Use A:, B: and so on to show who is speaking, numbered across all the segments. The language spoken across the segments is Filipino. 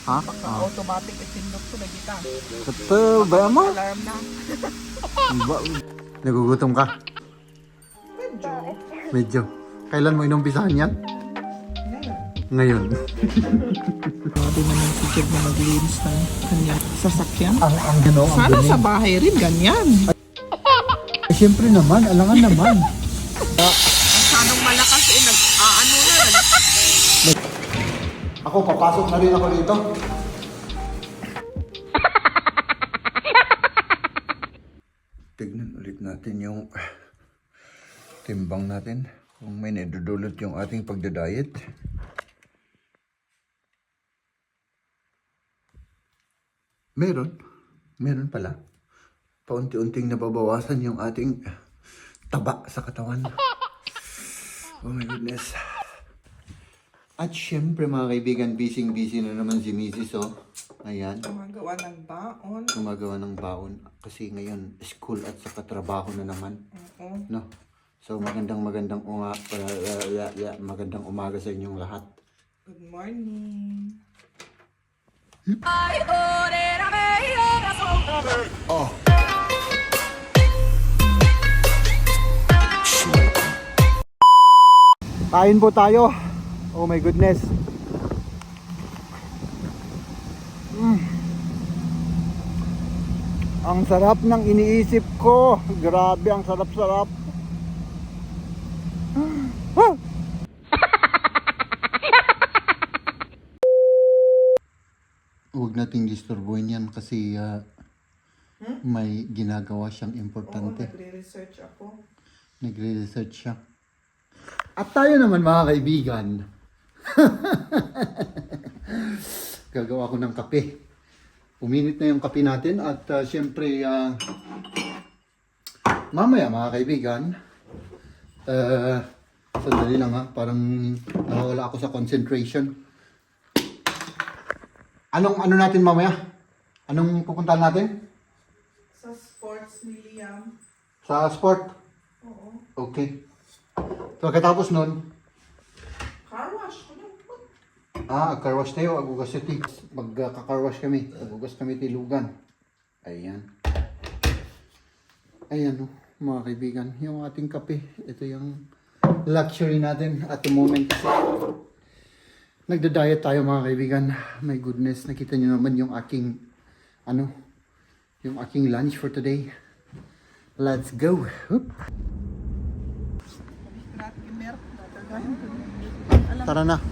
A: Ha?
B: Automatic itindot ko na kita.
A: Kato, ba mo?
B: Alarm na.
A: Nagugutom ka?
B: Medyo.
A: Medyo. Kailan mo inumpisahan yan? Ngayon.
B: Grabe naman si Jeb na maglinis ng kanyang sasakyan.
A: Ang gano, ang
B: Sana
A: dumi.
B: sa bahay rin ganyan.
A: Ay, siyempre naman, alangan naman.
B: Masyadong malakas nag-aano na.
A: Ako, papasok na rin ako dito. Tignan ulit natin yung timbang natin. Kung may nadudulot yung ating pagdadiet. Meron pala. Paunti-unting nababawasan yung ating taba sa katawan. Oh my goodness. At syempre mga kaibigan, busy na naman si Mrs. Oh. Ayan,
B: Gumagawa ng baon.
A: gumagawa ng baon. Kasi ngayon, school at saka trabaho na naman.
B: Oo.
A: No? So magandang umaga sa inyong lahat.
B: Good morning.
A: Oh. Kain po tayo. Oh my goodness. Ang sarap ng iniisip ko. Grabe, ang sarap-sarap. Ah! Huwag nating disturbuhin yan kasi may ginagawa siyang importante.
B: Nagre-research ako.
A: Nagre-research siya. At tayo naman mga kaibigan, gagawa ko ng kape. Uminit na yung kape natin at syempre mamaya mga kaibigan, sandali lang ha, parang nawawala ako sa concentration. Ano natin mamaya? Anong pupuntahan natin?
B: Sa sports ni Liam.
A: Sa sport?
B: Oo.
A: Okay. So, pagkatapos nun,
B: Car wash ko lang po.
A: car wash tayo, Agugas City. Magka-car wash kami. Agugas kami Tilugan. Ayan. Ayan o, mga kaibigan. Yung ating kape. Ito yung luxury natin at the moment. Nagda-diet tayo mga kaibigan. My goodness, nakita nyo naman yung aking, yung aking lunch for today. Let's go. Whoop. Tara na.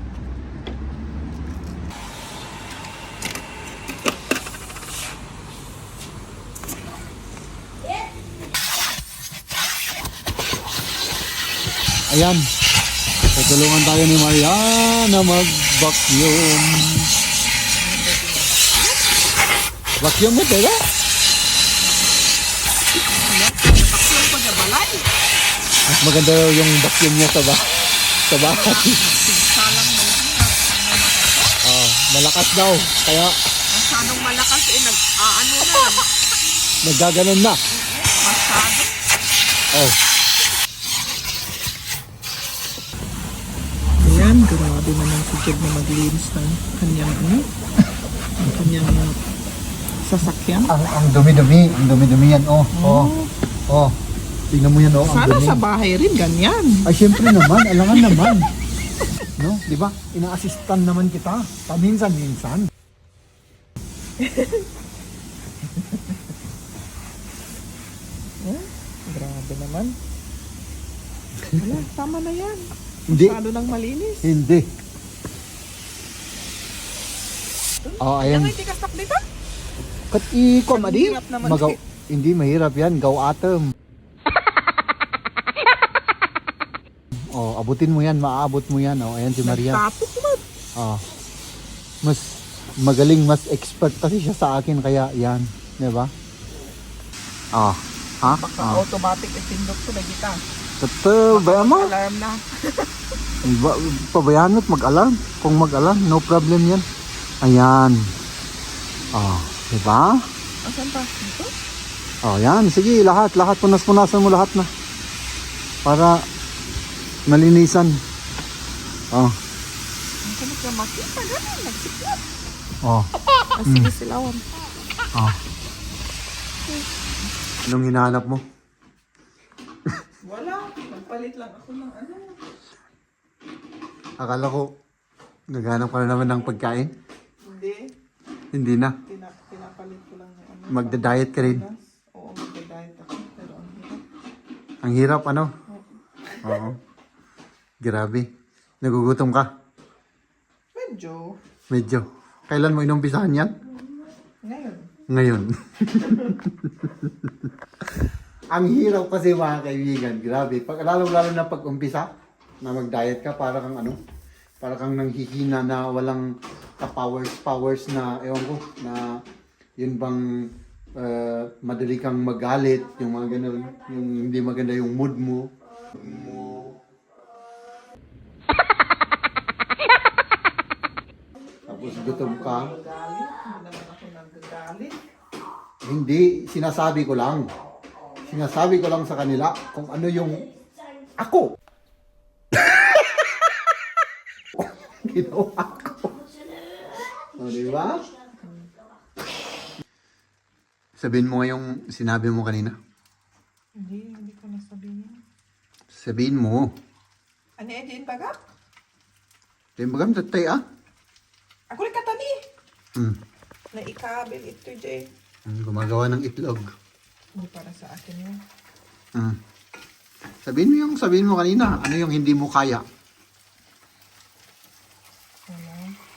A: Ayan. Tutulungan tayo ni Maria na mag-vacuum. Vacuum mo, diba?
B: Vacuum ko sa balay.
A: Mas maganda yung vacuum niya sa bahay.
B: Salang mo.
A: Malakas daw. Kaya
B: Masyadong malakas nag-aano na.
A: naggaganon na.
B: Masyado.
A: Oh.
B: Ayan, grabe naman si Jeb na maglinis ng kanyang sasakyan.
A: Ang dumi-dumi. Ang dumi-dumi yan. Oh. Tingnan mo yan, oh. Ang
B: Sana
A: dumi.
B: sa bahay rin ganyan.
A: Ay, syempre naman. Alangan naman. No? Di ba? Ina-assistan naman kita. Paminsan-minsan.
B: Grabe naman. Wala, tama na yan.
A: Hindi.
B: Masyado nang malinis.
A: Hindi. Oh, ayan.
B: Ano yung tikas dito?
A: Kat iko,
B: Ang
A: madi.
B: hirap naman
A: Hindi mahirap yan. Gaw atom. Oh, abutin mo yan. Maaabot mo yan. Oh, ayan si Maria.
B: Nagtapos naman.
A: Oh. Mas magaling, mas expert kasi siya sa akin. Kaya yan. Di ba? Oh. Ha?
B: Baka
A: Oh.
B: automatic itindot ko na kita.
A: Kato, ba mo?
B: Alarm na.
A: Pabayaan mo't mag-alarm. Kung mag-alarm, no problem yan. Ayan. Oh, di ba?
B: Asan pa? Dito?
A: Oh, yan. Sige, lahat. Punas-punasan mo lahat na. Para malinisan. Oh.
B: Ang sabi ka makita, ganun. Nagsiklat.
A: Oh.
B: Sige silawan.
A: Oh. Anong hinahanap mo?
B: Wala. Magpalit lang ako ng ano.
A: Akala ko, naghanap ka na naman ng pagkain.
B: Hindi.
A: Hindi na.
B: Pinapalit ko lang yung ano.
A: Magda-diet ka rin.
B: Oo, magda-diet ako. Pero ang hirap.
A: Ang hirap, ano? Oo. Grabe. Nagugutom ka?
B: Medyo.
A: Medyo. Kailan mo inumpisahan yan?
B: Ngayon.
A: Ngayon. Ang hirap kasi mga kaibigan. Grabe. Lalo na pag-umpisa na mag-diet ka, para kang ano, para kang nanghihina na walang ka-powers na, ewan ko, na yun bang madali kang magalit, yung mga ganun, yung hindi maganda yung mood mo. Tapos gutom ka.
B: Galit. Hindi naman ako nagagalit.
A: Hindi, sinasabi ko lang. Sinasabi ko lang sa kanila kung ano yung ako. Ginawa ko. O, diba? Sabihin mo nga yung sinabi mo kanina.
B: Hindi ko nasabihin.
A: Sabihin mo.
B: Ano yan din bagak?
A: Sabihin mo kami tatay ah.
B: Ako rin katani.
A: Hmm.
B: Na ikabil ito dyan.
A: Gumagawa ng itlog.
B: Hindi para sa akin yun.
A: Hmm. Sabihin mo kanina, ano yung hindi mo kaya?
B: Ano?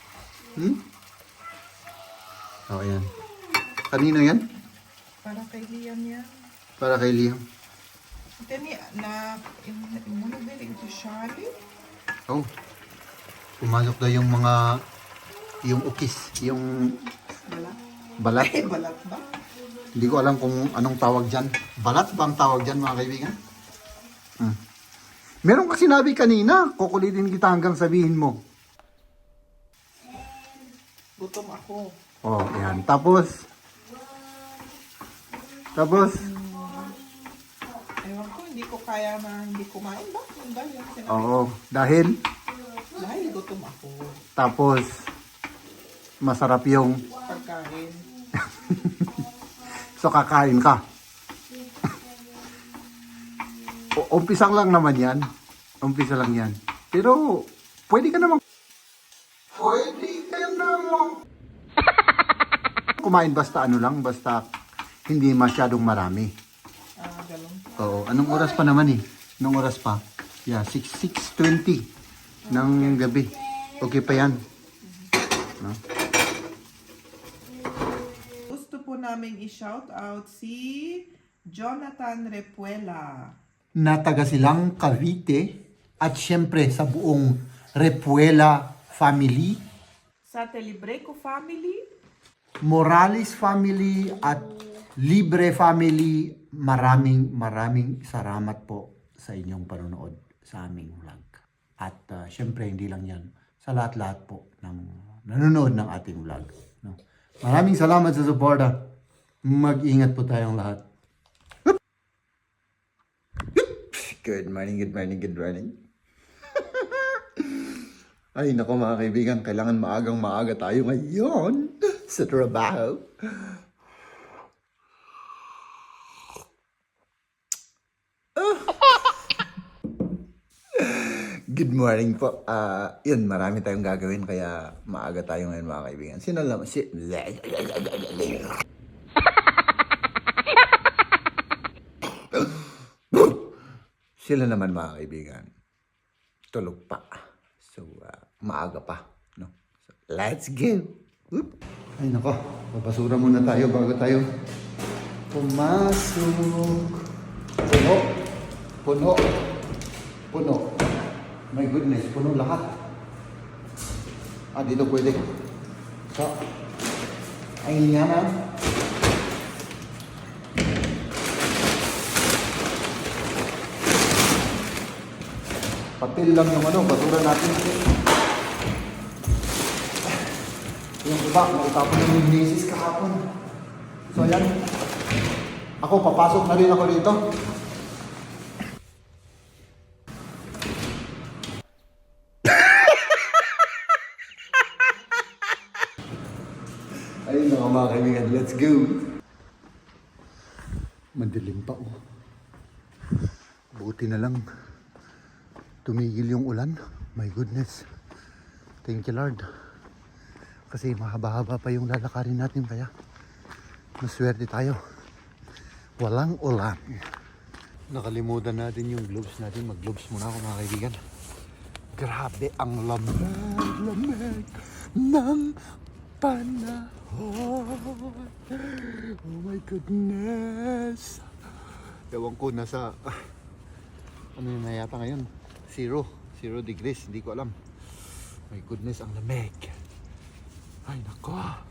A: Oo, yan. Kanino yan?
B: Para kay Liam yan.
A: Para kay Liam.
B: Ito ni na imunobili ito Charlie.
A: Oh. Pumasok daw yung mga, yung ukis, yung
B: Balat.
A: balat.
B: Ay, balat ba?
A: Hindi ko alam kung anong tawag dyan. Balat ba ang tawag dyan, mga kaibigan? Meron ka sinabi kanina, kukulitin kita hanggang sabihin mo.
B: Gutom ako.
A: Oh, yan. Tapos,
B: Ewan ko, hindi ko kaya na hindi kumain ba? Yun ba yung sinabi?
A: oo, dahil,
B: Dahil gutom ako.
A: tapos, masarap yung,
B: Pagkain.
A: so kakain ka. Umpisang lang naman yan. Umpisa lang yan. Pero, pwede ka namang, kumain basta ano lang, basta hindi masyadong marami.
B: Ganun.
A: Oo, anong oras pa naman eh? Anong oras pa? Yeah, 6:20 ng gabi. Okay pa yan. No?
B: Gusto po namin i-shout out si Jonathan Repuela.
A: Na taga silang Cavite at syempre sa buong Repuela family,
B: Sa Telebreco family,
A: Morales family at Libre family, maraming salamat po sa inyong panonood sa aming vlog. At syempre hindi lang yan, sa lahat-lahat po ng nanonood ng ating vlog. No? Maraming salamat sa suporta. Mag-ingat po tayong lahat. Good morning. Ay, nako mga kaibigan, kailangan maaga tayo ngayon sa trabaho. Good morning po. Yun, marami tayong gagawin kaya maaga tayo ngayon mga kaibigan. Sino lang? Sila naman mga kaibigan. Tulog pa. So, maaga pa. No? So, let's go! Whoop. Ay nako, papasura muna tayo bago tayo pumasok. Puno. My goodness, puno lahat. Dito pwede. So, ay nga na. Patil lang yung basura natin. Yung iba, nakitapon yung misis kahapon. So, ayan. Ako, papasok na rin ako dito. Ayun na mga kaibigan, let's go! Madilim pa oh. Buti na lang tumigil yung ulan. My goodness. Thank you Lord. Kasi mahaba-haba pa yung lalakarin natin kaya maswerte tayo. Walang ulan. Nakalimutan natin yung gloves natin. Mag-gloves muna ako mga kaibigan. Grabe ang lamig ng panahon. Oh my goodness. Ewan ko nasa ano yun na yata ngayon? 0 degrees. Hindi ko alam. My goodness ang lamig. Ay nako.